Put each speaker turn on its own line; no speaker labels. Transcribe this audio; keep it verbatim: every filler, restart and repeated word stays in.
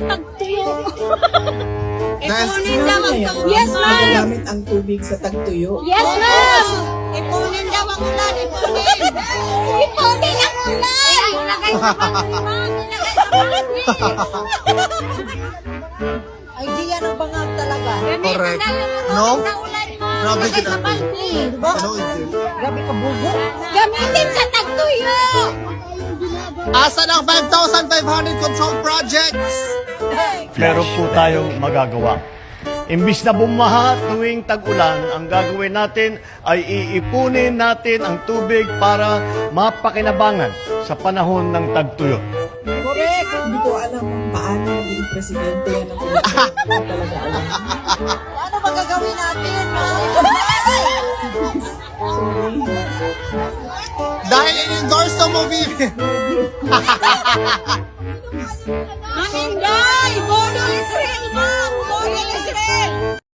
tagtuyo.
Ipunin
daw ang
yan.
Yes, ma'am.
Magagamit ang tubig sa tagtuyo.
Yes, ma'am!
Ipunin daw ang ulan, ipunin.
Ipunin ang ulan!
Ilagay sa panglimang, ilagay sa panglimang. Idea ng bangag talaga.
Correct. No? Grabe
Ilagay
kita.
sa panglim.
Ano ito?
Grabe ka bugo.
Gamitin sa tagtuyo!
Asa ng five thousand five hundred control projects?
Meron po tayong magagawa. Imbis na bumaha tuwing tag-ulan, ang gagawin natin ay iipunin natin ang tubig para mapakinabangan sa panahon ng tagtuyo.
Correct. Hindi ko alam kung paano maging presidente yan ng Pilipinas. Hindi ko talaga alam.
Ano magagawin natin?
Sorry.
Dahil in-endorse sa movie.